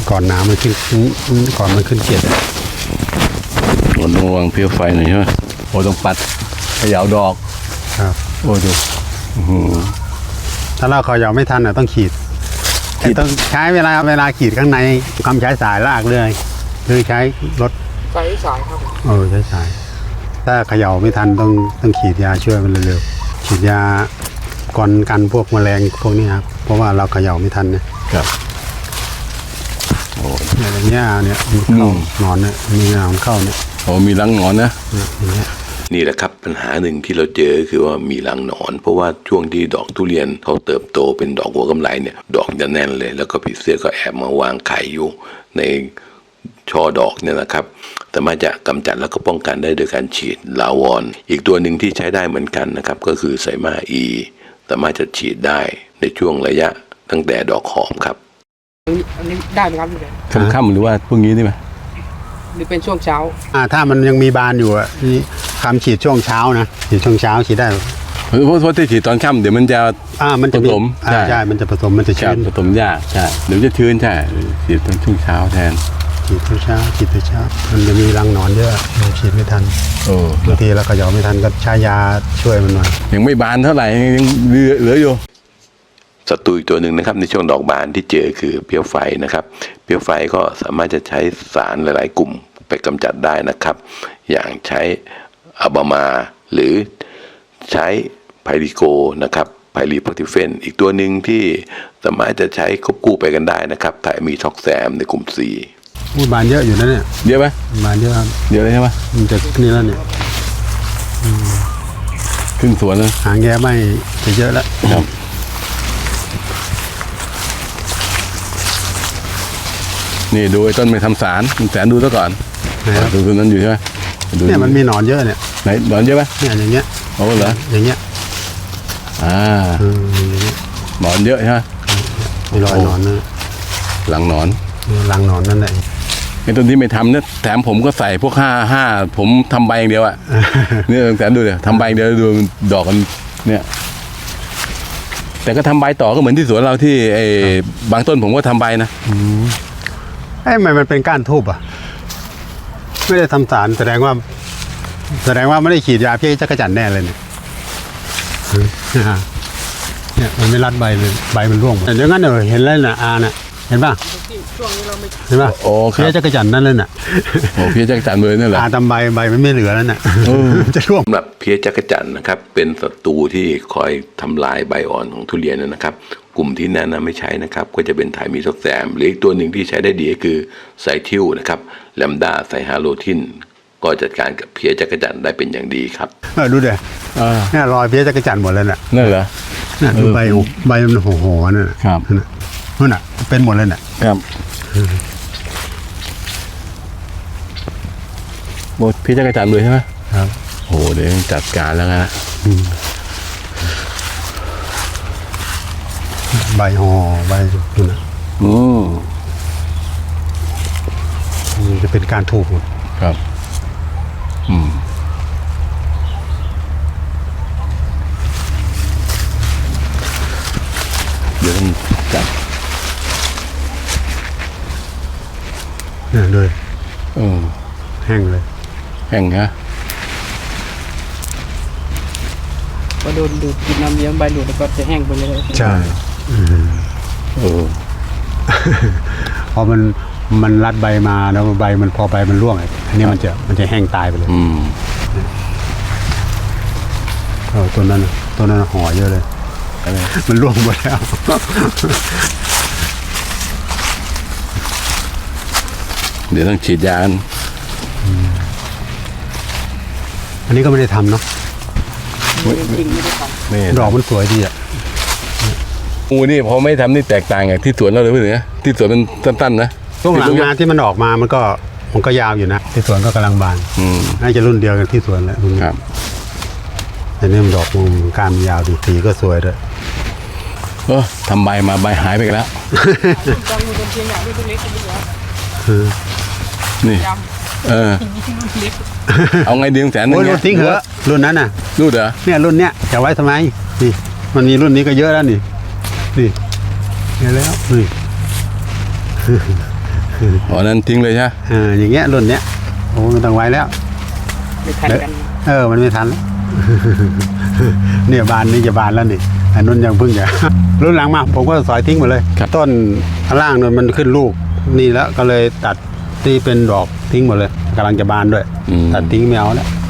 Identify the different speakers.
Speaker 1: ก่อนน้ำมันขึ้นก่อนมันขึ้นเกล็ด
Speaker 2: ต้องระวังเพี้ยไฟหน่อยใช่ไหมโอ้ต้องปัดเขย่าดอก
Speaker 1: ครับ
Speaker 2: โอ้ดู
Speaker 1: ถ้าเราเขย่าไม่ทันต้องขีดต้องใช้เวลาขีดข้างในคำใช้สายลากเลยหรือใช้รถ
Speaker 3: ใช้สายครับ
Speaker 1: ใช้สายถ้าเขย่าไม่ทันต้องขีดยาช่วยมันเร็วๆฉีดยาก่อนกันพวกแมลงพวกนี้ครับเพราะว่าเราเขย่าไม่ทันนะครับโอ้อย่างเงี้ยเนี่ยเข้านอนเนี่ยมีหนอนเข้าเนี่ย
Speaker 2: โอ้มีรังหนอนนะ
Speaker 1: อย่างเงี้ย
Speaker 4: นี่แหละครับปัญหาหนึ่งที่เราเจอคือว่ามีรังหนอนเพราะว่าช่วงที่ดอกทุเรียนเขาเติบโตเป็นดอกหัวกำไลเนี่ยดอกจะแน่นเลยแล้วก็ผีเสื้อก็แอบมาวางไข่อยู่ในช่อดอกเนี่ยนะครับแต่มาจะกำจัดแล้วก็ป้องกันได้โดยการฉีดลาวอนอีกตัวหนึ่งที่ใช้ได้เหมือนกันนะครับก็คือไซมาอีสามารถจะฉีดได้ในช่วงระยะตั้งแต่ดอกหอมครับ
Speaker 3: อันนี้ได้ไหมครับพี่
Speaker 2: ค่ำๆหรือว่าพวกนี้ได้ไหม
Speaker 3: หรือเป็นช่วงเช้า
Speaker 1: ถ้ามันยังมีบานอยู่นี่คำฉีดช่วงเช้านะฉีดช่วงเช้าฉีดได้
Speaker 2: เพราะที่ฉีดตอนค่ำเดี๋ยวมันจะ
Speaker 1: มันจะ
Speaker 2: ผสม
Speaker 1: ใช่มันจะผสมมันจะชื้น
Speaker 2: ผสมยากใช่เดี๋ยวจะชื้นใช่ฉีดตอนช่วงเช้าแทน
Speaker 1: ฉีดตอนเช้ามันจะมีรังหนอนเยอะฉีดไม่ทันบางทีเราก็หยอไม่ทันก็ใช้ยาช่วยมันหน่อย
Speaker 2: ยังไม่บานเท่าไหร่ยังเหลืออยู่
Speaker 4: ศัตรูอีกตัวหนึ่งนะครับในช่วงดอกบานที่เจอคือเพี้ยไฟนะครับเพี้ยไฟก็สามารถจะใช้สารหลายๆกลุ่มไปกำจัดได้นะครับอย่างใช้อะบามาหรือใช้ไพริโกนะครับไพริโพติเฟนอีกตัวหนึ่งที่สามารถจะใช้ควบคู่ไปกันได้นะครับถ้ามีท็อกแซมในกลุ่ม4
Speaker 1: บานเยอะอยู่นะเนี่ย
Speaker 2: เยอะไหม
Speaker 1: บานเยอะครับ
Speaker 2: เยอะเลยใช่ไหม
Speaker 1: มันจะนี่แล้วเนี่ย
Speaker 2: ครึ่งสวนเลย
Speaker 1: หางแย่ไม่จะเยอะแล้ว
Speaker 2: ครับนี่ดูไอ้ต้นไม่ทำสารแสนดูซะก่อนดูต้นนั้นอยู่ใช่ไหม
Speaker 1: เนี่ยมันมีหนอนเยอะเนี่ย
Speaker 2: ไหนหนอนเยอะไหม
Speaker 1: เนี่ยอย่างเงี้ย
Speaker 2: โอ้เหรอ
Speaker 1: อย่างเงี้ย
Speaker 2: หนอนเยอะใช่ไหม
Speaker 1: มีรอยหนอนนะ
Speaker 2: หลังหนอน
Speaker 1: นั่นแหละ
Speaker 2: ไอ้ต้นที่ไม่ทำเนี่ยแถมผมก็ใส่พวกห้าผมทำใบอย่างเดียวอ่ะนี่แสนดูเลยทำใบอย่างเดียวดูดอกกันเนี่ยแต่ก็ทำใบต่อก็เหมือนที่สวนเราที่ไอ้บางต้นผมก็ทำใบนะ
Speaker 1: มันเป็นก้านทูบอ่ะไม่ได้ทำสารแสดงว่าไม่ได้ฉีดยาเพี้ยจักรจั่นแน่เลยเนี่ยมันไม่รัดใบเลยใบมันร่วงหมดอย่างนั้นเห็นแล้วน่ะน่ะเห็นป่ะ
Speaker 3: ช่วงนี้เราไม่
Speaker 1: เห็นป่ะ
Speaker 2: โอ้
Speaker 1: เพี้ยจักรจั่นนั่นเลยน่ะ
Speaker 2: โอ้เพี้ยจักรจั่นเลยนั่นแหละ
Speaker 1: ทำใบมันไม่เหลือแล้วน่ะจะร่วง
Speaker 4: สำหรับเพี้ยจักรจั่นนะครับเป็นศัตรูที่คอยทำลายใบอ่อนของทุเรียนนะครับกลุ่มที่แนะนำไม่ใช้นะครับก็จะเป็นไทมีท็อกแซมหรืออีกตัวหนึ่งที่ใช้ได้ดีก็คือไซทิวนะครับแลมดาไซฮาโลทินก็จัดการกับเพี้ยจักรจั่นได้เป็นอย่างดีครับ
Speaker 1: ดูเดี๋ยวเนี่ยรอยเพี้ยจักรจั่นหมดเลยน่ะ
Speaker 2: นั่นเหรอ
Speaker 1: ดูใบมันห่อนั่น
Speaker 2: ครับ
Speaker 1: นั่นน่ะเป็นหมดเลยน่ะ
Speaker 2: ครับหมดเพี้ยจักรจั่นเลยใช่ไหม
Speaker 1: ครับ
Speaker 2: โอ้เดี๋ยวจัดการแล้วนะ
Speaker 1: ใบห่อใบดูนะจะเป็นการถูก
Speaker 2: ครับเดี๋ยวต้องจับ
Speaker 1: เนี่ยเลยแห้งเลย
Speaker 2: แห้งฮะ
Speaker 3: พอโดนดูดกินน้ำเลี้ยงใบดูดแล้วก็จะแห้งไปเลย
Speaker 1: ใช่พอมันรัดใบมาแล้วใบมันพอใบมันร่วงอันนี้มันจะแห้งตายไปเลยตัวนั้นห่อเยอะเลยมันร่วงหมดแล้ว
Speaker 2: เดี๋ยวต้องฉีดยา
Speaker 1: อันนี้ก็ไม่ได้ทำเนาะดอกมันสวยดีอ่ะ
Speaker 2: งูนี่พอไม่ทำนี่แตกต่างไงที่สวนเราเลยเพื่อนนะที่สวนมันสั้นๆนะ
Speaker 1: ช่วงหลังงานที่มันออกมามันก็ยาวอยู่นะที่สวนก็กำลังบานน่าจะรุ่นเดียวกันที่สวนแหละ
Speaker 2: ครับ
Speaker 1: แต่นี่มันดอกมันการยาวดีสีก็สวยด้วย
Speaker 2: ทำใบมาใบหายไปแล้วนี่เอาไงดีแสน
Speaker 1: รุ่นทิ้งเหรอรุ่นนั้นน่ะ
Speaker 2: รุ่นเหรอ
Speaker 1: เนี่ยรุ่นเนี้ยจะไว้ทำไมนี่มันมีรุ่นนี้ก็เยอะแล้วนี่เยอะแล้วนี่
Speaker 2: อ๋อนั้นทิ้งเลยใช่ไหม
Speaker 1: อย่างเงี้ยรุ่นเนี้ยโอ้ไม่ต้องไว้แล้ว
Speaker 3: ไม่ทันกัน
Speaker 1: มันไม่ทันแล้ว เนี่ยบานนี้จะบานแล้วนี่อันนู้นยังเพิ่งจะ รุ่นหลังมาผมก็สอยทิ้งหมดเลย ต้นข้างล่างนู้นมันขึ้นลูกนี่แล้วก็เลยตัดที่เป็นดอกทิ้งหมดเลยกำลังจะบานด้วยตัดทิ้งไม่เอาแล้ว